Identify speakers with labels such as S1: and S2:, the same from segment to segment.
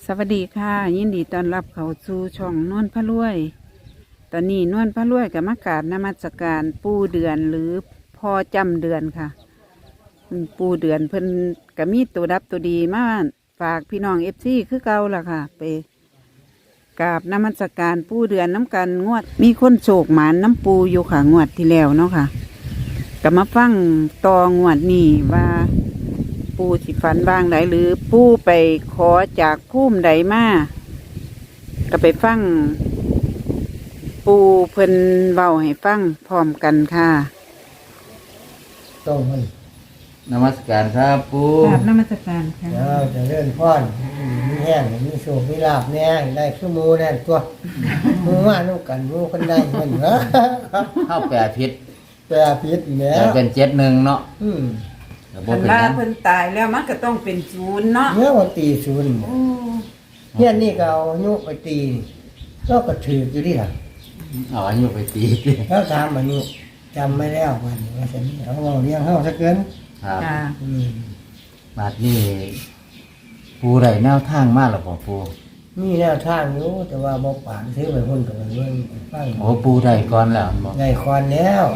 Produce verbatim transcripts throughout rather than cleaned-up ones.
S1: สวัสดีค่ะยินดีต้อนรับเข้าสู่ช่องนวลพระรวย ตอนนี้นวลพระรวยกับมากราบนมัสการปู่เดือนหรือพ่อจำเดือนค่ะปู่เดือนเพิ่นก็มีตัวดับตัวดีมาฝากพี่น้องเอฟซีคือเก่าล่ะค่ะ ไปกราบนมัสการปู่เดือนน้ำกันงวดมีคนโศกหมานน้ำปูอยู่ค่ะงวดที่แล้วเนาะค่ะก็มาฟังต่องวดนี้ว่าปูสิฝันบางใดหรือปูไปขอจากพุ่มใดมาก็ไปฟังปูเพิ่นเบาให้ฟังพร้อมกันค่ะ
S2: ต้องมัน
S3: นมัสการครับปู
S1: กราบนมัสการค่ะ
S2: เราจะเลื่อนพ่อนมีแห้งมีโศกมีลาบแน่ได้ขึ้นมูแน่ตัวมูว่านุ่กันมูคนได้เงินเหรอ
S3: เข้าแปดพิษ
S2: แต่พิษเนี่ย
S3: แต่เป็นเจ็ดหนึ่งเนาะ
S2: อืม
S3: แต่บ่
S1: คัน
S3: เป็น
S1: ว่า
S3: หยัง
S1: เพิ่นตายแล้วมันก็ต้องเป็นศูนย์เนาะ
S2: เมื่อวันตีศูนย์เนี่ยนี่ก็เอายุไปตีก็กระถืออยู่ดิค่ะ
S3: เอาอายุไปตี
S2: แล้วถามมันนี่จำไม่แล้ววันนี้ว่าฉันเอาเอาเลี้ยงเฮาซะเกิน
S3: ครับ
S1: ค่ะ
S2: อืม
S3: บาดนี้ปูได้แนวทางมากหรอปู
S2: มีแนวทางอยู่แต่ว่าบ่ปานซื้อไปหุ้นกับมันเบิ่งฟัง
S3: โอ้ปูได้ก่อนแล้วบอก
S2: ได้คอนแล้ว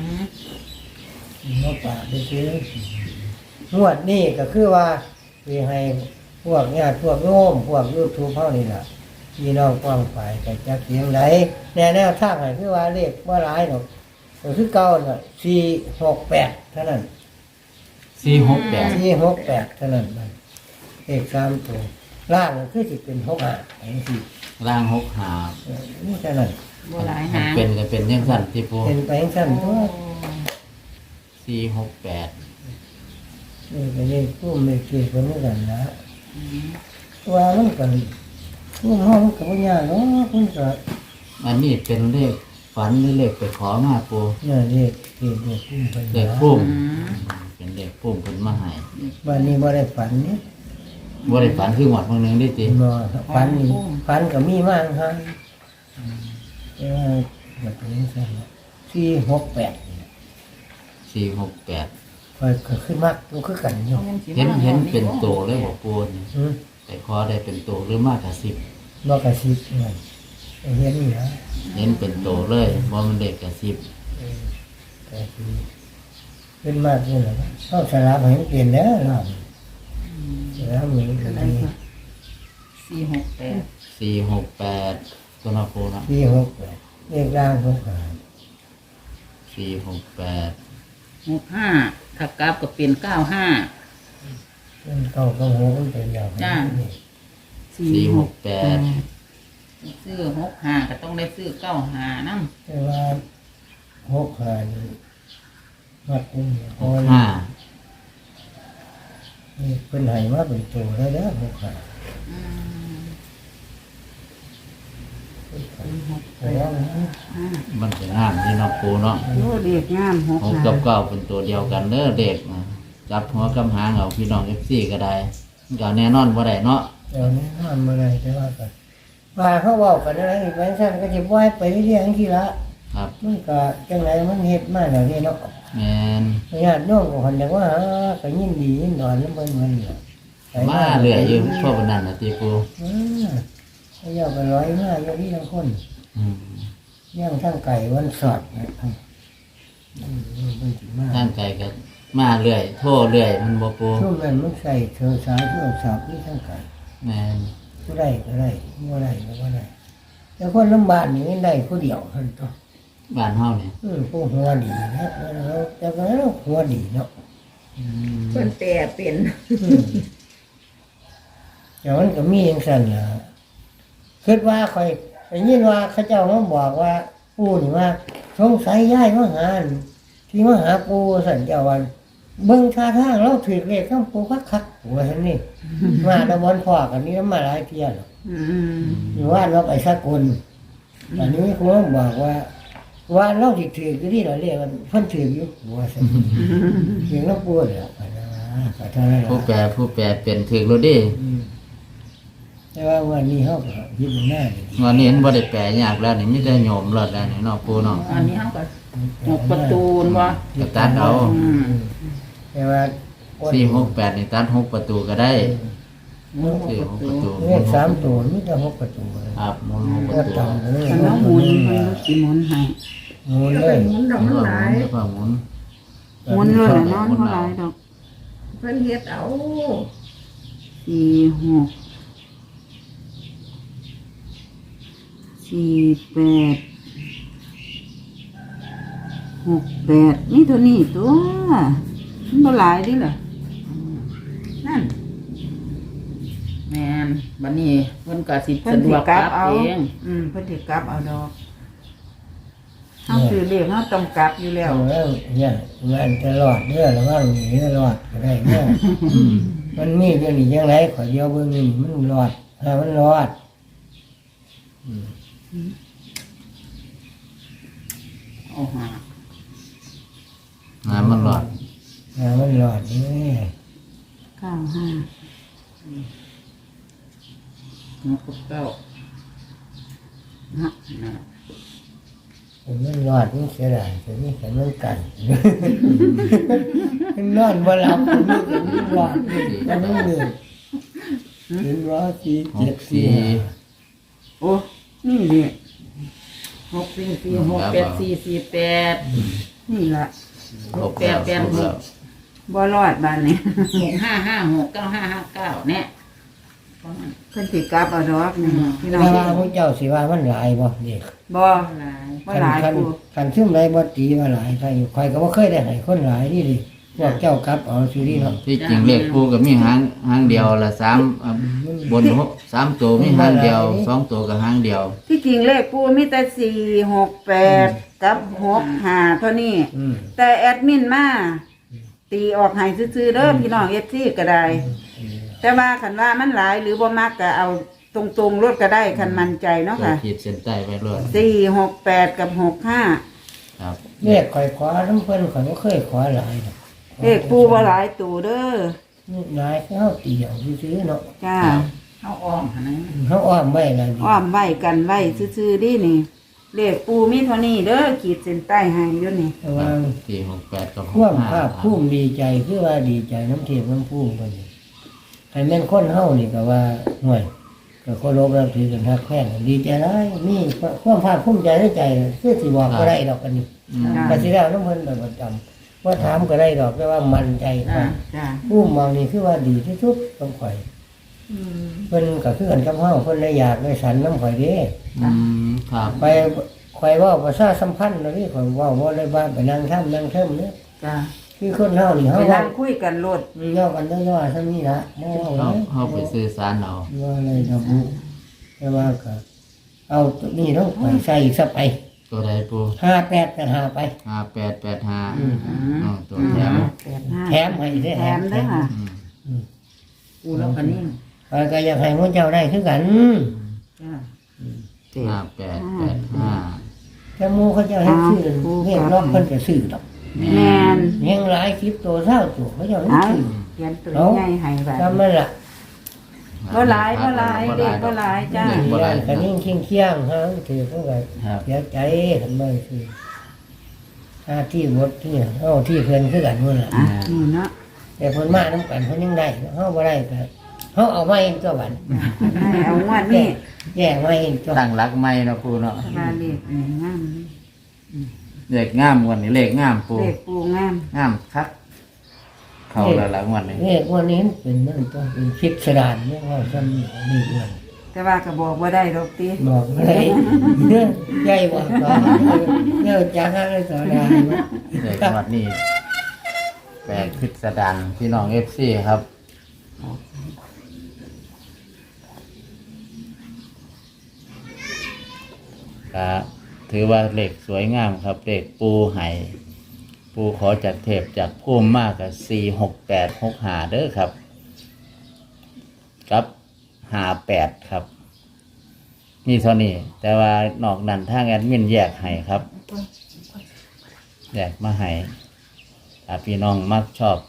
S2: บ่ปานได้ซื้อ งวดนี้ก็คือว่ามีให้พวกญาติพวกโยมพวกยูทูบเฮานี่ล่ะพี่น้องกว้างฝ่ายก็จักเสียงไหนแนวแนวทางให้คือว่าเลขบ่หลายดอกก็คือเก่าน่ะสี่หกแปดเท่านั้น
S3: สี่หกแปด
S2: สี่หกแปดเท่านั้นมันเลขสามตัวล่างก็คือสิเป็นหกห้าไอ้สิ
S3: ล่างหกหา
S2: เออนี่เท่านั้น
S1: บ่หลาย
S3: มัน
S1: หาง
S3: เป็นก็เป็นยังสั้นที่ปู
S2: เป็นไปจังซั่นตัว
S3: สี่หกแปด
S2: นี่ก็เลยผู้ไม่เกี่ยวกันเหมือนกันนะว่ามันก็ผู้เฮามันก็บ่ยากเนาะเพิ่นก็
S3: อันนี้เป็นเลขฝันหรือเลขไปขอมาปู
S2: เนี่ยเรียกเรียกเรียกพุ่มไป
S3: เลขพุ่มเป็นเลขพุ่มเพิ่นมาให้
S2: วันนี้บ่ได้ฝันนี่
S3: บ่ได้ฝันคือหวัดเมื่อนึงได้ติ
S2: บ่ฝันนี่ฝันก็มีมากฮะแต่ว่าแบบนี้ซั่นสี่หกแปดนี่
S3: สี่หกแปด
S2: คอยก็ขึ้นมากดูคือกันอยู่
S3: เห็นเห็นเป็นโตเลยบอกปูนี่
S2: หือ
S3: แต่ขอได้เป็นโตหรือมากกว่าสิบ
S2: บ่กระซิบนั่นเห็นนี่นะ
S3: เห็นเป็นโตเลยว่ามันเด็กกับสิบ
S2: เออแต่คือขึ้นมากนี่แหละเฮาสลับให้มันเปลี่ยนแล้วเนาะแล้วมันก็ดี
S1: สี่หกแปด
S3: สี่หกแปดตัวนาโคนะ
S2: สี่หกแปดเลขล่างหกห้า
S3: สี่หกแปด
S4: หกห้าถ้ากราฟก็เป็นเก้าห้า
S2: มันเก้าก็หกมันเป็นยาว
S4: จ้า
S3: สี่หกแปด
S4: ซื้อหกห้าก็ต้องได้ซื้อเก้าห้านั่ง
S2: แต่ว่าหกห้านี่วัดนี่
S3: หกห้า
S2: นี่เป็นไห้มาเป็นตัวแล้วเด้อหกห้าแต่ว่ามัน
S3: มันเป็นงามที่นาโคเนาะ
S1: โอ้เรียกงามหก
S3: หก
S1: หา
S3: กับเก้าเป็นตัวเดียวกันเด้อเด็กนะจับหัวกำหางเอาพี่น้องเอฟซีก็ได้มันก็แน่นอนว่าได้เนาะ
S2: เดี๋ยวนี้ห้ามอะไรแต่ว่ากันว่าเขาบอกกันอะไรอีกแบงค์สั้นก็จะว่ายไปเรื่อยๆที่ละ
S3: ครับ
S2: มันก็จังไรมันเฮ็ดมาแล้วนี่เนาะ
S3: แมน
S2: ญาติโยมของคนเดียวว่าก็ยินดียินนอนแล้วมันมันเนี่ย
S3: มาเรื่อยอยู่ทั่วบนนั้นนะตีปู
S2: อ่าเขาอยากไปร้อยมาอยู่ที่ทั้งคน
S3: อืม
S2: ย่างทั้งไก่วันสอดนะอืมมันสิมาก
S3: ทางไกลก็มาเรื่อยโทษเรื่อยมันบ่ปู
S2: ช่วงนั้นมันใส่เธอสายช่วงสอบนี่ทั้งไก่
S3: แมน
S2: ก็ได้ก็ได้ไม่ได้ก็บ่ได้แต่คนลำบากนี่มันได้ผู้เดียวเท่านั้นตัว
S3: บ้านเฮาเนี่ย
S2: อืมผู้หัวดีนะแล้วแต่ก็แล้วหัวดีเนาะ
S3: อืม
S4: เพิ่นแต่เป็น
S2: อืมแต่มันก็มีอย่างสั่นล่ะคิดว่าคอยได้ยินว่าเขาเจ้ามาบอกว่าปู่นี่ว่าสงสัยย้ายมาหาอั่นที่มาหาปู่สั่นเจ้าวันเบิ่งท่าทางเราถือเลขข้างปู่คักๆว่าซั่นนี่ มาตะวันพอกันนี่มาหลายเที่ยแล้ว
S1: อืม
S2: อยู่ว่าเราไปสักคนอันนี้คุณบอกว่า ว่าเราที่ถือก็ที่เราเรียกมันเพิ่นถืออยู่ว่าซั่นเสียงเราปวดแล้วไปนะไปเท่านั้น
S3: ผู้แปล
S2: ล่ะ
S3: ผู้แปลเป็นถึกโลดเดิ
S2: อืมแต่ว่าวันนี้เฮาก็ยิบหน้านี่
S3: วันนี้เห็นบ่ได้แปลยากแล้วนี่มีแต่โยมรอดแล้วนี่เนาะปูเนาะ
S4: อันนี้เขาก็หกประตูนวะ
S3: ก็ตัดเอา
S4: อืม
S2: แต่ว่า
S3: สี่หกแปดนี่ตัดหกประตูก็ได้
S4: หมุนหก
S3: สี่
S4: ประ
S3: หก
S4: ตู
S3: ประตู
S2: เลขสามตัวมีแต่หกประตูเลย
S3: ครับหมุนหกป
S2: ก็
S3: ระตู
S2: ต่ำเลย
S1: คันน้องหมุนเพิ่นสิหมุนให้
S2: หมุน
S5: จะ
S2: เล
S5: ไป
S2: ย
S5: หมุนดอก
S3: หมุ
S5: มัน น
S3: ห
S5: ห
S3: ลา
S5: ลาย ย
S3: แล้วก็หมุน
S1: หมุนเลยล่ะเนาะบ่หลายดอก
S5: เพิ่นเฮ็ดเอา
S1: สี่หกสี่แปดหกแปดนี่ตัวนี้ตัวมันบ่หลายดิล่ะนั่น
S4: แม่นบัดนี้เพิ่นก็สิ
S1: เพิ่
S4: สะ
S1: น
S4: ด
S1: สิ
S4: วก
S1: ก
S4: ก
S1: ลั
S4: ลั
S1: บบ เอา
S4: เอง
S1: อืมเพิ่นสิกลับเอาดอกเฮาซื้อเลขเฮาต้องกลับอยู่แล้ว
S2: เอาแล้วเนี่ยงานจะรอดเด้อระวังหนีรอดก็ได้เนี่ยมันมีเดี๋ยวนี้ยังไงขอเดียวเบิ่งนี่มันรอดถ้ามันรอด
S4: เอาหา
S3: งานมันหลอด
S2: ถ้ามันรอดนี่
S1: เก้าห้า
S4: หกกับเก้า
S1: ฮะ
S4: นะ
S2: มันรอดมันเสียดายแต่นี่แต่มันกันมันนอนบ่หลับมันนี่มันรอดมันไม่เหนื่อยเป็นว่าสี่
S3: ห
S2: เจ็ด
S3: ก
S2: สี่
S3: สี่
S1: โอ้นี่ดิ
S4: หกสี่สี่หกแปดสี่สี่แปด
S1: นี่ล่ะ
S3: หกแล้วหกแล้ว
S1: บ่รอดบ้านนี้
S4: หกห้าห้าหกเก้าห้าห้าเก้าเนี่ยเพราะมัน
S1: เพิ่นสิกลับเอาดอกนี่พี่น้อ
S2: แต่
S1: ง
S2: ว่าพระเจ้าสิว่ามันหลายบ่เด็ก
S1: บ่
S4: หลาย
S1: บ่หลาย
S2: คัน
S1: กู
S2: คันซึมไรบ่ตีว่าหลายใครอยู่ใครก็บ่เคยได้ให้คนหลายนี่ดิพวกเจ้ากลับเอาสิดีเนาะ
S3: ที่จริงเลขปูก็มีหางหางเดียวละสามอ่ะบนหกสามตัวมีหางเดียวสองตัวกับหางเดียว
S1: ที่จริงเลขปูมีแต่สี่หกแปดกับหกห้าเท่านี้
S2: อืม
S1: แต่แอดมินมาตีออกให้ซื่อๆเด้อพี่น้อง เอฟ ซี ก็ได้ แต่ว่าคันว่ามันหลายหรือบ่มักก็เอาตรงๆรถก็ได้คันมั่นใจเนาะ
S3: ตัว
S1: ค่ะ
S3: ขีดเส้นใต้ไว้รวด
S1: สี่หกแปดกับหกห้า
S3: ครับ
S2: เรียกข่อยขอน้ำเพิ่นข่อยบ่เคยขอหลายดอก
S1: เลขปูบ่หลายตัวเด้อ
S2: นี่หลายคือเฮาตีเอาซื่อๆเนาะ
S1: จ้า
S4: เอาอ้อมหั่นนะ
S2: เฮาอ้อมไว้ล่ะดิ
S1: อ้อมไว้กันไว้ซื่อๆดินี่เลขปูมีเท่านี้เด้อขีดเส้นใต้ให้อยู่นี่
S2: แต่ว่า
S3: สี่หกแปดกับห
S2: ควาก ม
S3: ห้า
S2: ภาคภูมิดีใจคือว่าดีใจน้ำเทียมน้ำภูมิเพิ่นนี่ให้แม่นคนเฮานี่ก็ว่าห่วยก็เคารพนับถือกันทักแท้ดีใจหลายมีความภาคภูมิใจในใจคือสิบอกบ่ได้ดอกอันนี้
S3: อืม
S2: ก็สิได้น้ำเพิ่นเป็นประจำว่าถามก็ได้ดอกแต่ว่ามั่นใจก
S4: จ้า
S2: ว่า
S1: จ้า
S2: ผู้มองนี่คือว่าดีที่สุดต้องข่อยเพิ่นก็คือกันกับเฮาเพิ่นได้อยากได้สันน้ำข่อยเด้
S3: อืมครับ
S2: ไปข่อยเว่าประชาสัมพันธ์แล้วนี่ข่อยเว่าบ่ได้ว่าไปนั่งทํนั่งเทิมเนี่ย
S1: จ้า
S2: คือคนเฮานี่
S1: ไป
S2: เฮา
S1: นั่
S2: เว้าง
S1: คุยกันโลด
S2: เว้ากันย่อๆซั่นนี่ล่ะบ่เว้า
S3: เข้า
S2: เลย
S3: เข้าไปซื้อสารเอา
S2: ว่าอะไรดอกบุแต่ว่าก็เอาตัวนี้ต้องไปใส่อีกสักไป
S3: ตัวใดปู
S2: ห้าแปดก็หาไป
S3: ห้าแปดแปดห้า
S2: อืม
S3: อ๋อตัวแถม
S1: แปดห้า
S2: แถมให้ได้
S1: แถมเด้อค่ะ
S3: อืม
S4: กูแล้วกันนี่
S2: ข้อยก็อยากให้พวกเจ้าได้คือกัน
S4: จ้า
S3: ห้าแปดแปดห้า
S2: แต่หมู่เขาเจ้าให้ซื้อเรียกร้องเพิ่นก็ซื้อดอก
S1: แมน
S2: เลี้ยงหลายคลิปตัวเท่าตัวเขาเจ้าให้
S1: เอา
S2: ซื้อ
S1: เขียนตัวใหญ่ให้ไว้
S2: จำมันล่ะ
S1: บ่หลายบ่หลายเด็กบ่หลายจ้า
S3: เด็กบ่หลาย
S2: กันนิ่งเคียงเคียงๆฮะถือเขาก็
S3: ครับ
S2: เสียใจทำไมคือหน้าที่บดที่เฮาที่เพิ่นคือกันนู่นล่ะ
S1: อ่ะนี่เนาะ
S2: แต่เพิ่นมานํกันเพิ่นยังได้เฮาบ่ได้ก็เฮาเอาไว้ตัวบัด
S1: ให้เอางวดนี้
S2: แย่ไว้ตัว
S3: ตั้งรักไม่เนาะปูเนาะ
S1: สบายเลขนี่งาม
S3: เลขงามวันนี้เลขงามปู
S1: เลขปูงาม
S3: งามคักเข้าแล้วหลังวันนี้
S2: นี่วันนี้เป็นนั่นตัวเป็นพิสดารเนี่ยว่าซ้ำนี่นี่อ้วน
S1: แต่ว่าก็บอกบ่ได้ดอกติ
S2: บอกอะไรเนี่ยใหญ่กว่าก็เนี่ยจักอะไรต่อได้
S3: เลขวันนี้แปลกพิสดารพี่น้องเอฟซีครับก็ถือว่าเลขสวยงามครับเลขปูไห่ปูขอจากเทพจากพุ่มมากกับสี่หกแปดหกหาเด้อครับกับหาแปดครับมีเท่านี้แต่ว่านอกนั้นทางแอดมินแยกให้ครับแยกมาให้ถ้าพี่น้องมักชอบ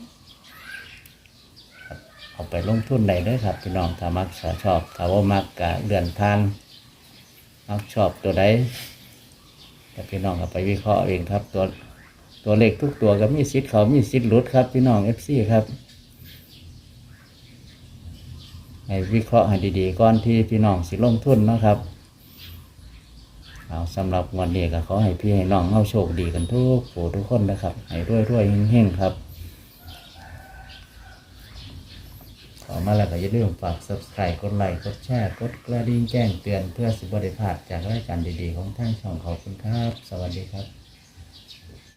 S3: ครับเอาไปลงทุนได้เลยครับ พี่น้องถ้ามักชอบถ้าว่ามักกะเลื่อนทางมักชอบตัวใดแต่พี่น้องเอาไปวิเคราะห์เองครับ ตัวตัวเลขทุกตัวก็มีสิทธิ์เขามีสิทธิ์หลุดครับพี่น้องเอฟซีครับให้วิเคราะห์ให้ดีๆก่อนที่พี่น้องสิลงทุนเนาะครับเอาสำหรับวันนี้ก็ขอให้พี่ให้น้องเอาโชคดีกันทุกผู้ทุกคนนะครับให้รวยๆเฮงๆครับขอมาแล้วก็อย่าลืมฝาก ซับสไครบ์ กดไลค์กดแชร์กดกระดิ่งแจ้งเตือนเพื่อสิบได้พลาดจากรายการดีๆของทางช่องขอบคุณครับสวัสดีครับ